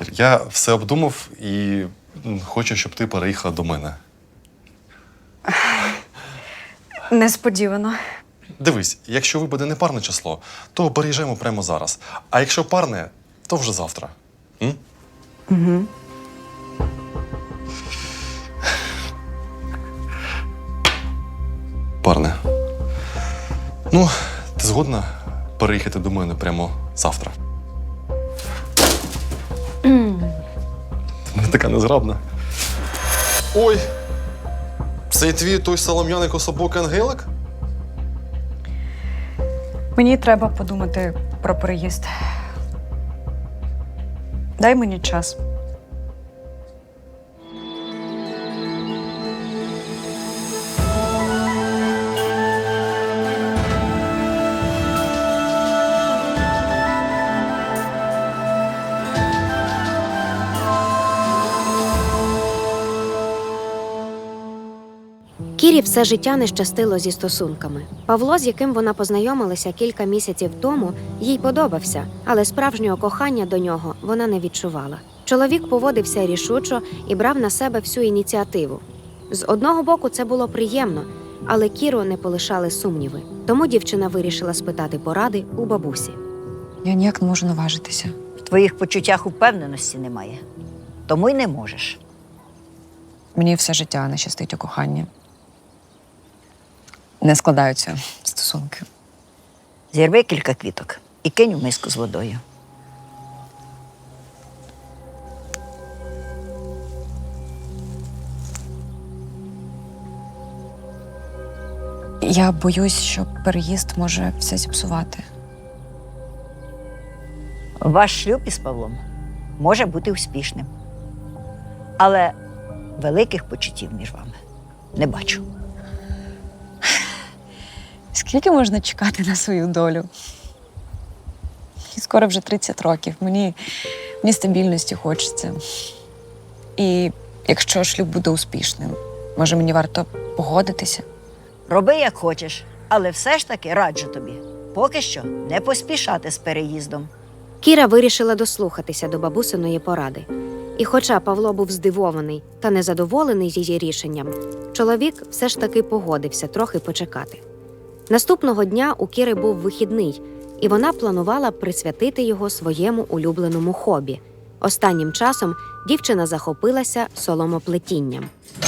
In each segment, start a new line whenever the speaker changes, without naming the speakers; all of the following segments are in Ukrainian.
я все обдумав і хочу, щоб ти переїхала до мене.
Несподівано.
Дивись, якщо випаде непарне число, то переїжджаємо прямо зараз. А якщо парне, то вже завтра.
Угу.
Парне. Ну, ти згодна переїхати до мене прямо завтра? Вона така незграбна. Ой! Це твій той солом'яний кособокий ангелик?
Мені треба подумати про переїзд. Дай мені час.
Кірі все життя не щастило зі стосунками. Павло, з яким вона познайомилася кілька місяців тому, їй подобався, але справжнього кохання до нього вона не відчувала. Чоловік поводився рішучо і брав на себе всю ініціативу. З одного боку це було приємно, але Кіру не полишали сумніви. Тому дівчина вирішила спитати поради у бабусі.
Я ніяк не можу наважитися.
В твоїх почуттях упевненості немає. Тому й не можеш.
Мені все життя не щастить у коханні. Не складаються стосунки.
Зірви кілька квіток і кинь у миску з водою.
Я боюсь, що переїзд може все зіпсувати.
Ваш шлюб із Павлом може бути успішним. Але великих почуттів між вами не бачу.
Скільки можна чекати на свою долю? І скоро вже 30 років. Мені стабільності хочеться. І якщо шлюб буде успішним, може мені варто погодитися?
Роби, як хочеш, але все ж таки раджу тобі. Поки що не поспішати з переїздом.
Кіра вирішила дослухатися до бабусиної поради. І хоча Павло був здивований та незадоволений її рішенням, чоловік все ж таки погодився трохи почекати. Наступного дня у Кіри був вихідний, і вона планувала присвятити його своєму улюбленому хобі. Останнім часом дівчина захопилася соломоплетінням.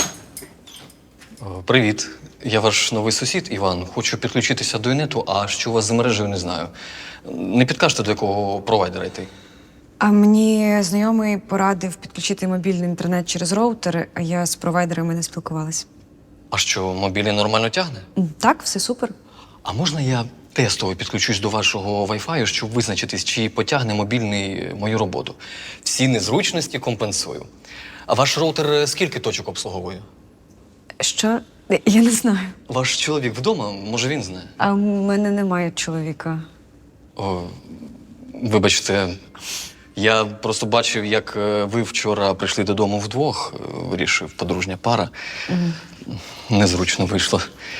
Привіт. Я ваш новий сусід, Іван. Хочу підключитися до інету, а що у вас за мережею, не знаю. Не підкажете, до якого провайдера йти?
А мені знайомий порадив підключити мобільний інтернет через роутер, а я з провайдерами не спілкувалась.
А що, мобільний нормально тягне?
Так, все супер.
А можна я тестово підключусь до вашого Wi-Fi, щоб визначитись, чи потягне мобільний мою роботу? Всі незручності компенсую. А ваш роутер скільки точок обслуговує?
Що? Я не знаю.
Ваш чоловік вдома, може він знає?
А в мене немає чоловіка.
О, вибачте, я просто бачив, як ви вчора прийшли додому вдвох, вирішив, подружня пара. Незручно вийшло.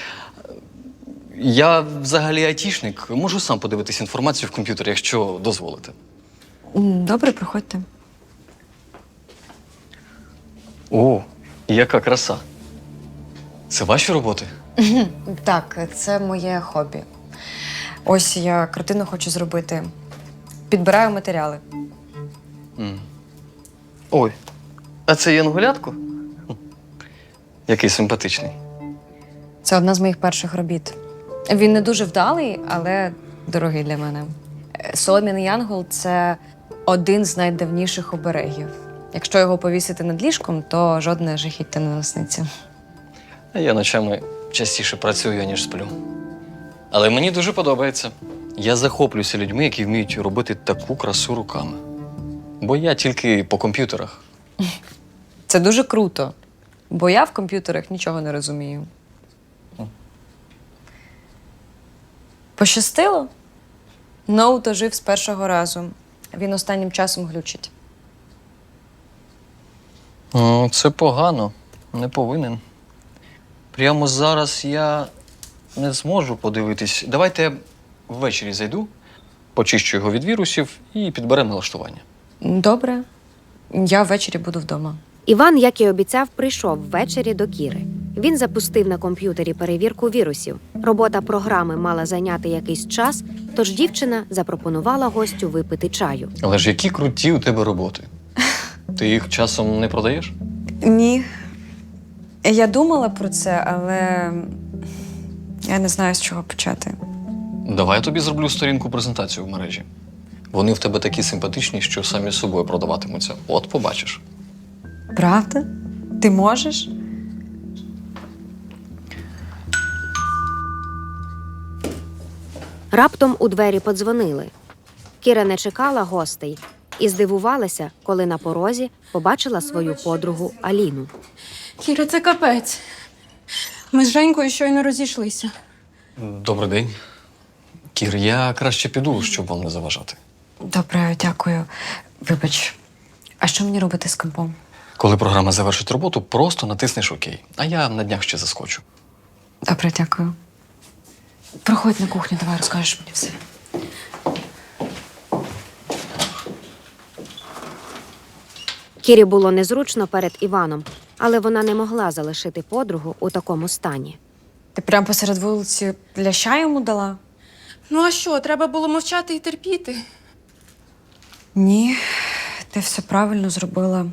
Я взагалі айтішник, можу сам подивитись інформацію в комп'ютері, якщо дозволите.
Добре, приходьте.
О, яка краса. Це ваші роботи?
Так, це моє хобі. Ось я картину хочу зробити. Підбираю матеріали.
Ой, а це янголятко? Який симпатичний.
Це одна з моїх перших робіт. Він не дуже вдалий, але дорогий для мене. Солом'яний янгол – це один з найдавніших оберегів. Якщо його повісити над ліжком, то жодне жахіття не насниться.
Я ночами частіше працюю, ніж сплю. Але мені дуже подобається. Я захоплююся людьми, які вміють робити таку красу руками. Бо я тільки по комп'ютерах.
Це дуже круто, бо я в комп'ютерах нічого не розумію. Пощастило? Ноут ожив з першого разу. Він останнім часом глючить.
Це погано. Не повинен. Прямо зараз я не зможу подивитись. Давайте ввечері зайду, почищу його від вірусів і підберемо налаштування.
Добре. Я ввечері буду вдома.
Іван, як і обіцяв, прийшов ввечері до Кіри. Він запустив на комп'ютері перевірку вірусів. Робота програми мала зайняти якийсь час, тож дівчина запропонувала гостю випити чаю.
Але ж які круті у тебе роботи. Ти їх часом не продаєш?
Ні. Я думала про це, але я не знаю, з чого почати.
Давай я тобі зроблю сторінку презентацію в мережі. Вони в тебе такі симпатичні, що самі з собою продаватимуться. От побачиш.
Правда? Ти можеш?
Раптом у двері подзвонили. Кіра не чекала гостей і здивувалася, коли на порозі побачила свою подругу Аліну.
Кіра, це капець. Ми з Женькою щойно розійшлися.
Добрий день. Кір, я краще піду, щоб вам не заважати.
Добре, дякую. Вибач. А що мені робити з компом?
Коли програма завершить роботу, просто натиснеш ОК. А я на днях ще заскочу.
Добре, дякую. Проходь на кухню, давай розкажеш мені все.
Кірі було незручно перед Іваном, але вона не могла залишити подругу у такому стані.
Ти прямо посеред вулиці ляща йому дала?
Ну а що, треба було мовчати і терпіти?
Ні, ти все правильно зробила.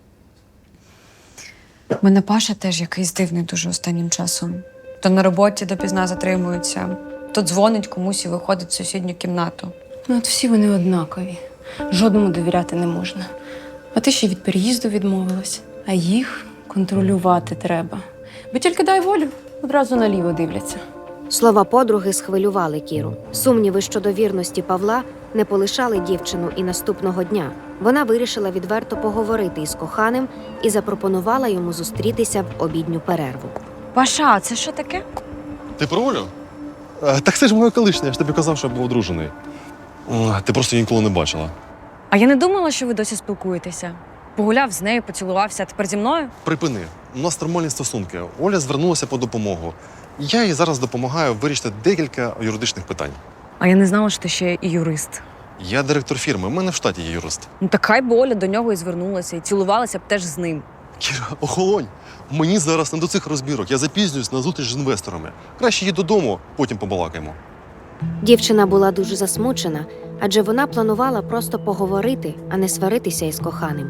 У мене Паша теж якийсь дивний дуже останнім часом. То на роботі допізна затримується, то дзвонить комусь і виходить в сусідню кімнату.
Ну от всі вони однакові. Жодному довіряти не можна. А ти ще від переїзду відмовилась. А їх контролювати треба. Бо тільки дай волю, одразу наліво дивляться.
Слова подруги схвилювали Кіру. Сумніви щодо вірності Павла не полишали дівчину і наступного дня. Вона вирішила відверто поговорити із коханим і запропонувала йому зустрітися в обідню перерву.
Паша, а це що таке?
Ти про Олю? Так це ж моя колишня, я ж тобі казав, що я був одружений. Ти просто її ніколи не бачила.
А я не думала, що ви досі спілкуєтеся. Погуляв з нею, поцілувався, а тепер зі мною?
Припини. У нас нормальні стосунки. Оля звернулася по допомогу. Я їй зараз допомагаю вирішити декілька юридичних питань.
А я не знала, що ти ще і юрист.
Я директор фірми, у мене в штаті є юрист.
Ну так хай би Оля до нього і звернулася, і цілувалася б теж з ним.
Кіра, охолонь. Мені зараз не до цих розбірок. Я запізнююсь на зустріч з інвесторами. Краще їдь додому, потім побалакаємо.
Дівчина була дуже засмучена, адже вона планувала просто поговорити, а не сваритися із коханим.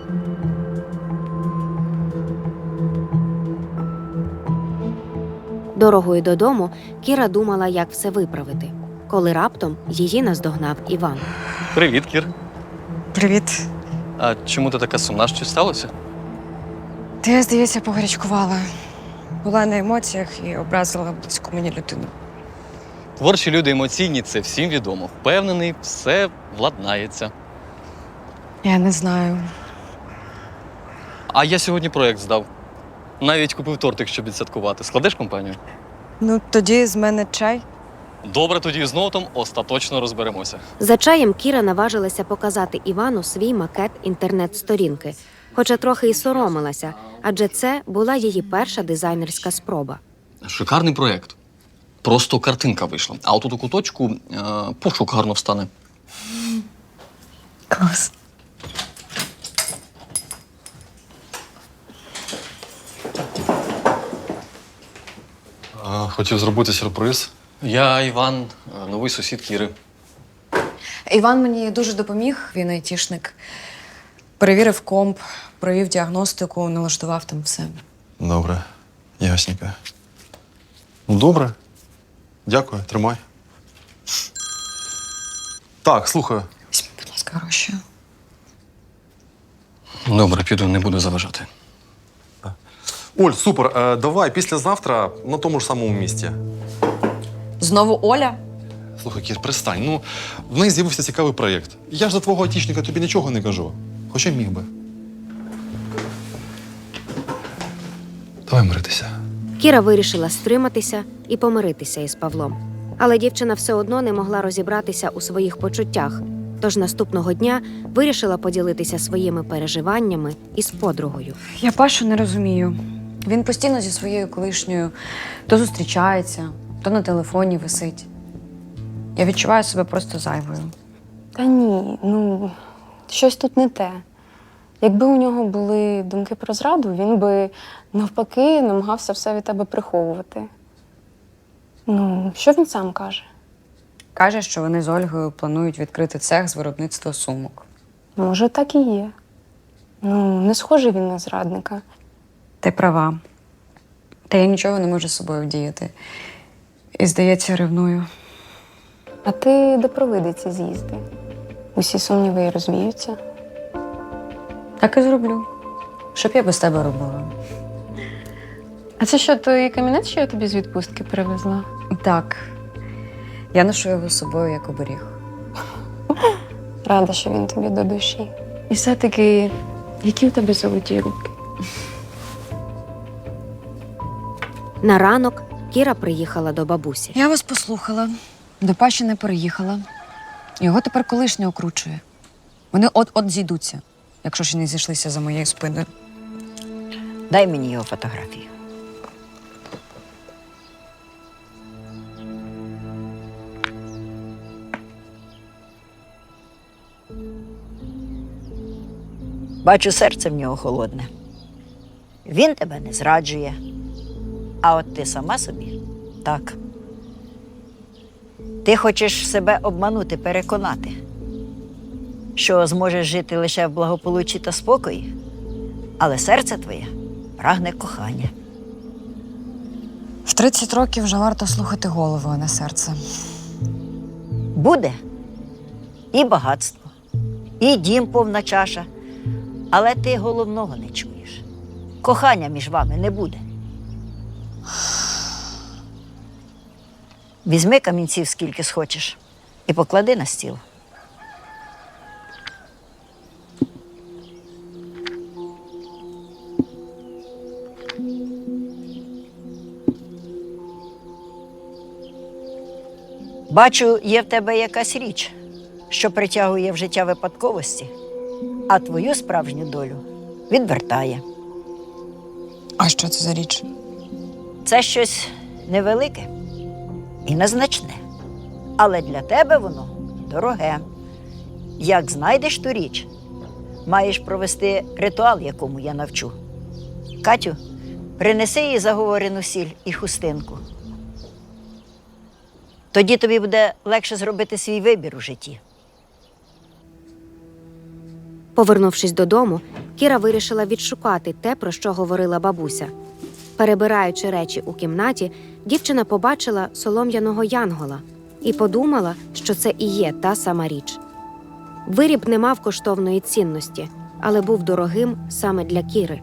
Дорогою додому Кіра думала, як все виправити, коли раптом її наздогнав Іван.
Привіт, Кір.
Привіт.
А чому ти така сумна? Що сталося?
Ти, я, здається, погарячкувала. Була на емоціях і образила близьку мені людину.
Творчі люди емоційні, це всім відомо. Впевнений, все владнається.
Я не знаю.
А я сьогодні проєкт здав. Навіть купив тортик, щоб відсвяткувати. Складеш компанію?
Ну, тоді з мене чай.
Добре, тоді з ноутом остаточно розберемося.
За чаєм Кіра наважилася показати Івану свій макет інтернет-сторінки, хоча трохи й соромилася, адже це була її перша дизайнерська спроба.
Шикарний проєкт. Просто картинка вийшла. А отут у куточку пошук гарно встане.
Клас.
Хотів зробити сюрприз.
Я Іван, новий сусід Кіри.
Іван мені дуже допоміг, він айтішник. Перевірив комп, провів діагностику, налаштував там все.
Добре, ясненько. Ну, добре. Дякую, тримай. Так, слухаю.
Візьми, будь ласка, гроші.
Добре, піду, не буду заважати.
Оль, супер. Давай післязавтра на тому ж самому місці.
Знову Оля?
Слухай, Кір, пристань. Ну, в неї з'явився цікавий проєкт. Я ж за твого айтішника тобі нічого не кажу. Хоча міг би. Давай миритися.
Кіра вирішила стриматися і помиритися із Павлом. Але дівчина все одно не могла розібратися у своїх почуттях, тож наступного дня вирішила поділитися своїми переживаннями із подругою.
Я Пашу не розумію.
Він постійно зі своєю колишньою то зустрічається, то на телефоні висить.
Я відчуваю себе просто зайвою.
Та ні, ну щось тут не те. Якби у нього були думки про зраду, він би навпаки намагався все від тебе приховувати. Ну, що він сам каже?
Каже, що вони з Ольгою планують відкрити цех з виробництва сумок.
Може, так і є. Ну, не схожий він на зрадника.
Ти права. Та я нічого не можу з собою вдіяти. І, здається, ревную.
А ти де проведи ці з'їзди? Усі сумніви і розвіються.
Так і зроблю. Що б я без тебе робила?
А це що, той камінець, що я тобі з відпустки привезла?
Так. Я ношу його з собою як оберіг.
Рада, що він тобі до душі. І все-таки, які у тебе золоті руки?
На ранок Кіра приїхала до бабусі.
Я вас послухала. До Паші не переїхала. Його тепер колишнє окручує. Вони от-от зійдуться, якщо ще не зійшлися за моєю спиною.
Дай мені його фотографію. Бачу, серце в нього холодне. Він тебе не зраджує. А от ти сама собі так. Ти хочеш себе обманути, переконати, що зможеш жити лише в благополуччі та спокої, але серце твоє прагне кохання.
В 30 років вже варто слухати голову, а не серце.
Буде і багатство, і дім повна чаша, але ти головного не чуєш. Кохання між вами не буде. Візьми камінців скільки схочеш і поклади на стіл. Бачу, є в тебе якась річ, що притягує в життя випадковості, а твою справжню долю відвертає.
А що це за річ?
Це щось невелике і незначне, але для тебе воно дороге. Як знайдеш ту річ, маєш провести ритуал, якому я навчу. Катю, принеси їй заговорену сіль і хустинку. Тоді тобі буде легше зробити свій вибір у житті.
Повернувшись додому, Кіра вирішила відшукати те, про що говорила бабуся. Перебираючи речі у кімнаті, дівчина побачила солом'яного янгола і подумала, що це і є та сама річ. Виріб не мав коштовної цінності, але був дорогим саме для Кіри.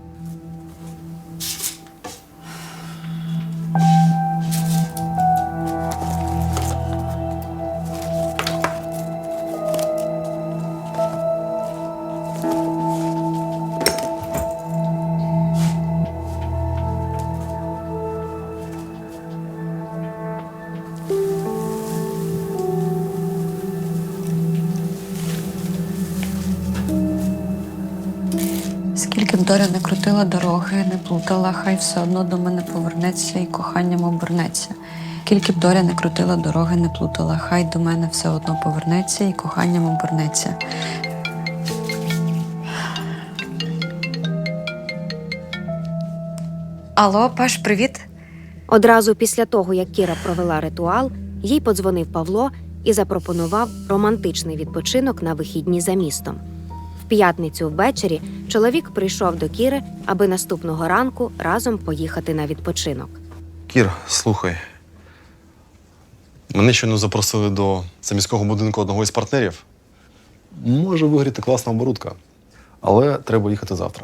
Скільки б доля не крутила дороги, не плутала, хай все одно до мене повернеться і коханням обернеться. Скільки б доля не крутила дороги, не плутала, хай до мене все одно повернеться і коханням обернеться.
Алло, Паш, привіт.
Одразу після того, як Кіра провела ритуал, їй подзвонив Павло і запропонував романтичний відпочинок на вихідні за містом. В п'ятницю ввечері чоловік прийшов до Кіри, аби наступного ранку разом поїхати на відпочинок.
Кір, слухай. Мене щойно запросили до заміського будинку одного із партнерів. Може вигріти класна оборудка, але треба їхати завтра.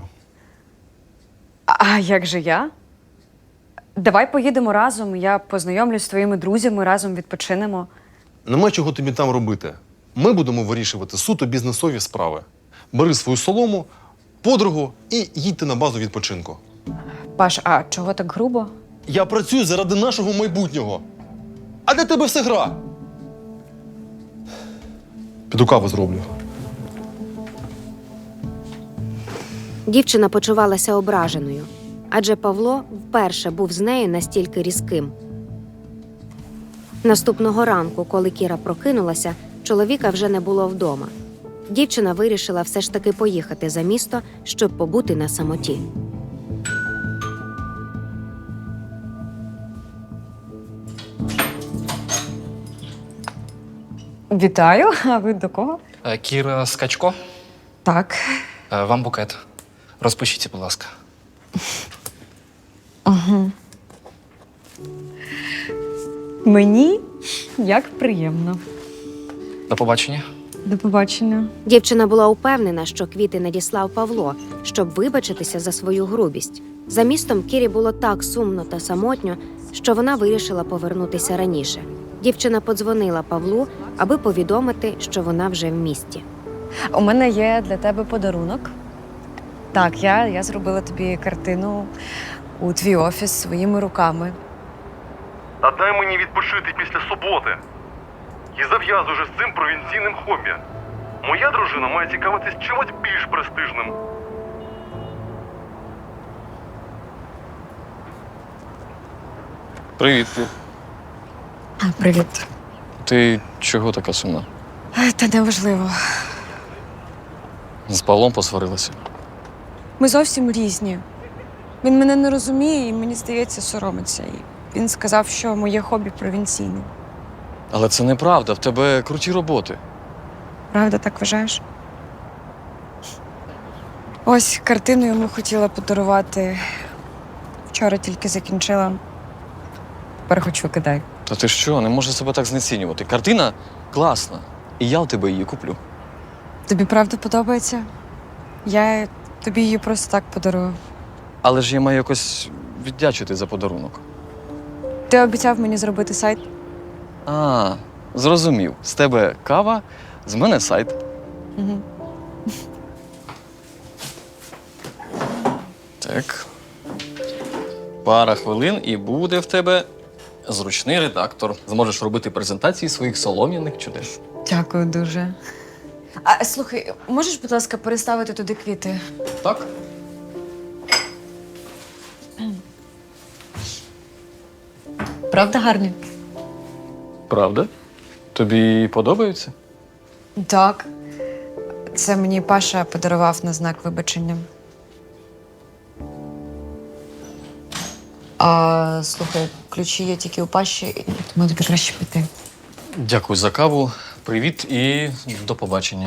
А як же я? Давай поїдемо разом, я познайомлюсь з твоїми друзями, разом відпочинемо.
Нема чого тобі там робити. Ми будемо вирішувати суто бізнесові справи. Бери свою солому, подругу і їдьте на базу відпочинку.
Паш, а чого так грубо?
Я працюю заради нашого майбутнього. А для тебе все гра. Піду каву зроблю.
Дівчина почувалася ображеною, адже Павло вперше був з нею настільки різким. Наступного ранку, коли Кіра прокинулася, чоловіка вже не було вдома. дівчина вирішила все ж таки поїхати за місто, щоб побути на самоті.
Вітаю, а ви до кого?
Кіра Скачко,
Так.
вам букет. Розпишіться, будь ласка.
Мені як приємно.
До побачення.
До побачення.
Дівчина була упевнена, що квіти надіслав Павло, щоб вибачитися за свою грубість. За містом Кірі було так сумно та самотньо, що вона вирішила повернутися раніше. Дівчина подзвонила Павлу, аби повідомити, що вона вже в місті.
У мене є для тебе подарунок. Так, я зробила тобі картину у твій офіс своїми руками.
Та дай мені відпочити після суботи. І зав'язуй вже з цим провінційним хобі. Моя дружина має цікавитись чимось більш престижним.
Привіт.
Привіт.
Ти чого така сумна?
Та неважливо.
З Павлом посварилася.
Ми зовсім різні. Він мене не розуміє і, мені здається, соромиться. І він сказав, що моє хобі провінційне.
Але це неправда, в тебе круті роботи.
Правда, так вважаєш? Ось картину йому хотіла подарувати. Вчора тільки закінчила.
Тепер хоч викидай.
Та ти що, не можеш себе так знецінювати. Картина класна, і я в тебе її куплю.
Тобі правда подобається? Я тобі її просто так подарую.
Але ж я маю якось віддячити за подарунок.
Ти обіцяв мені зробити сайт.
А, зрозумів. З тебе кава, з мене сайт.
Угу.
Так. Пара хвилин і буде в тебе зручний редактор. Зможеш робити презентації своїх солом'яних чудес.
Дякую дуже. А слухай, можеш, будь ласка, переставити туди квіти?
Так?
Правда гарні?
Правда? Тобі подобаються?
Так. Це мені Паша подарував на знак вибачення. А, слухай, ключі є тільки у Паші, тому тобі краще піти.
Дякую за каву. Привіт і до побачення.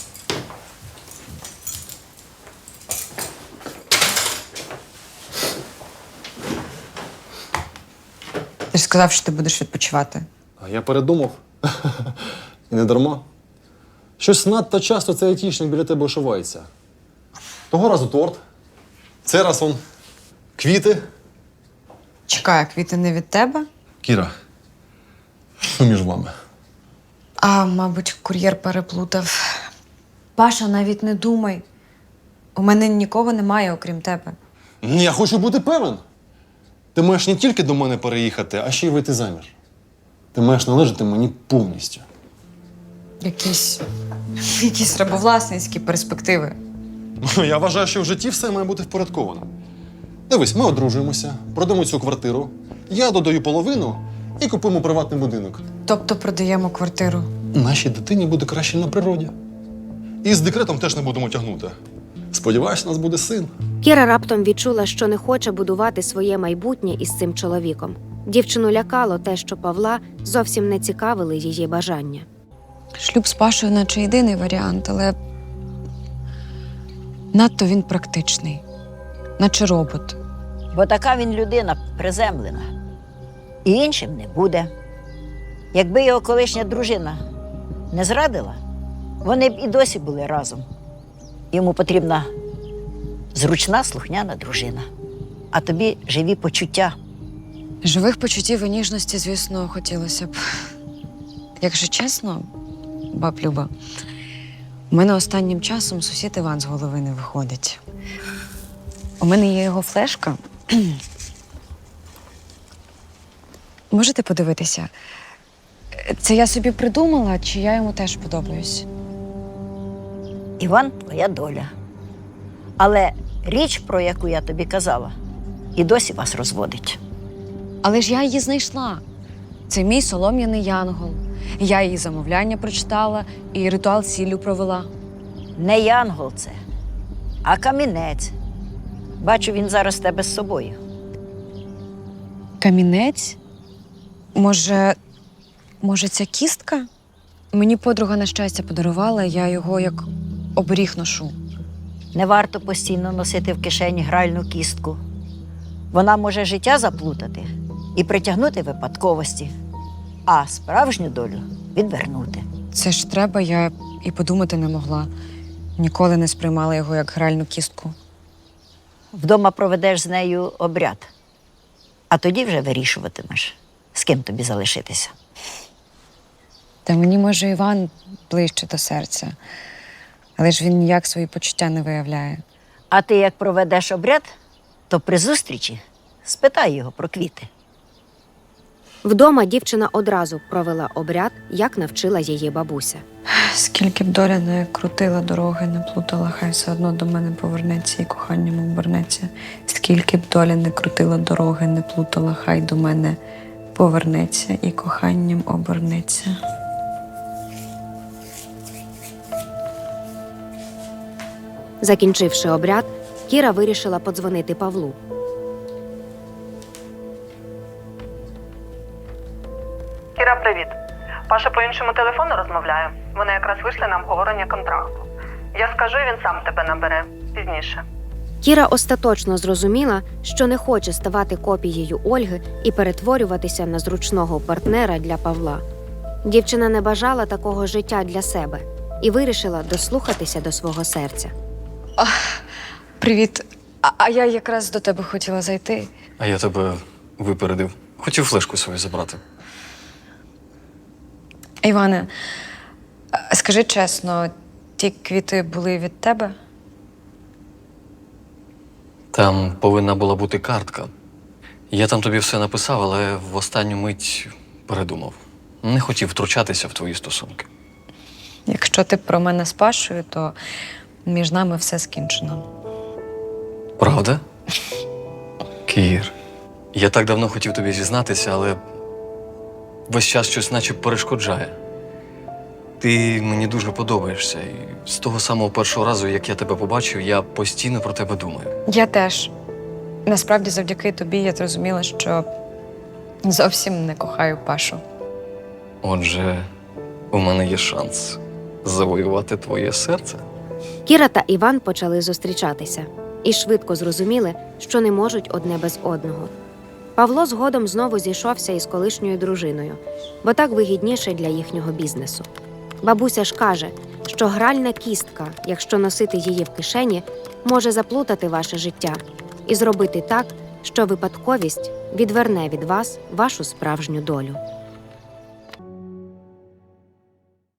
Ти ж сказав, що ти будеш відпочивати.
А я передумав. І не дарма. Щось надто часто цей айтішник біля тебе ошивається. Того разу торт. Цей раз он квіти.
Чекай, а квіти не від тебе?
Кіра, що між вами?
А, мабуть, кур'єр переплутав. Паша, навіть не думай. У мене нікого немає, окрім тебе.
Я хочу бути певен. Ти маєш не тільки до мене переїхати, а ще й вийти заміж. Ти маєш належати мені повністю.
Якісь рабовласницькі перспективи.
Я вважаю, що в житті все має бути впорядковано. Дивись, ми одружуємося, продамо цю квартиру, я додаю половину і купуємо приватний будинок.
Тобто продаємо квартиру.
Нашій дитині буде краще на природі. І з декретом теж не будемо тягнути. Сподіваюсь, у нас буде син.
Кіра раптом відчула, що не хоче будувати своє майбутнє із цим чоловіком. Дівчину лякало те, що Павла зовсім не цікавили її бажання.
Шлюб з Пашою наче єдиний варіант, але надто він практичний, наче робот.
Бо така він людина приземлена. І іншим не буде. Якби його колишня дружина не зрадила, вони б і досі були разом. Йому потрібна зручна, слухняна дружина. А тобі живі почуття.
Живих почуттів і ніжності, звісно, хотілося б. Якщо чесно, баб Люба, у мене останнім часом сусід Іван з голови не виходить. У мене є його флешка. Можете подивитися? Це я собі придумала, чи я йому теж подобаюсь?
Іван – твоя доля. Але річ, про яку я тобі казала, і досі вас розводить.
Але ж я її знайшла. Це мій солом'яний янгол. Я її замовляння прочитала і ритуал сіллю провела.
Не янгол це, а камінець. Бачу, він зараз в тебе з собою.
Камінець? Може, ця кістка? Мені подруга на щастя подарувала, я його як оберіг ношу.
Не варто постійно носити в кишені гральну кістку. Вона може життя заплутати і притягнути випадковості, а справжню долю відвернути.
Це ж треба, я і подумати не могла. Ніколи не сприймала його як гральну кістку.
Вдома проведеш з нею обряд, а тоді вже вирішуватимеш, з ким тобі залишитися.
Та мені, може, Іван ближче до серця. Але ж він ніяк свої почуття не виявляє.
А ти як проведеш обряд, то при зустрічі спитай його про квіти.
Вдома дівчина одразу провела обряд, як навчила її бабуся.
Скільки б доля не крутила дороги, не плутала, хай все одно до мене повернеться і коханням обернеться. Скільки б доля не крутила дороги, не плутала, хай до мене повернеться і коханням обернеться.
Закінчивши обряд, Кіра вирішила подзвонити Павлу.
Кіра, привіт. Паша по іншому телефону розмовляє. Вони якраз вийшли на обговорення контракту. Я скажу, і він сам тебе набере пізніше.
Кіра остаточно зрозуміла, що не хоче ставати копією Ольги і перетворюватися на зручного партнера для Павла. Дівчина не бажала такого життя для себе і вирішила дослухатися до свого серця.
Привіт. А я якраз до тебе хотіла зайти.
А я тебе випередив. Хотів флешку свою забрати.
Іване, скажи чесно, ті квіти були від тебе?
Там повинна була бути картка. Я там тобі все написав, але в останню мить передумав. Не хотів втручатися в твої стосунки.
Якщо ти про мене з Пашою, то між нами все скінчено.
Правда? Кір, я так давно хотів тобі зізнатися, але весь час щось наче перешкоджає. Ти мені дуже подобаєшся. І з того самого першого разу, як я тебе побачив, я постійно про тебе думаю.
Я теж. Насправді, завдяки тобі я зрозуміла, що зовсім не кохаю Пашу.
Отже, у мене є шанс завоювати твоє серце.
Кіра та Іван почали зустрічатися і швидко зрозуміли, що не можуть одне без одного. Павло згодом знову зійшовся із колишньою дружиною, бо так вигідніше для їхнього бізнесу. Бабуся ж каже, що гральна кістка, якщо носити її в кишені, може заплутати ваше життя і зробити так, що випадковість відверне від вас вашу справжню долю.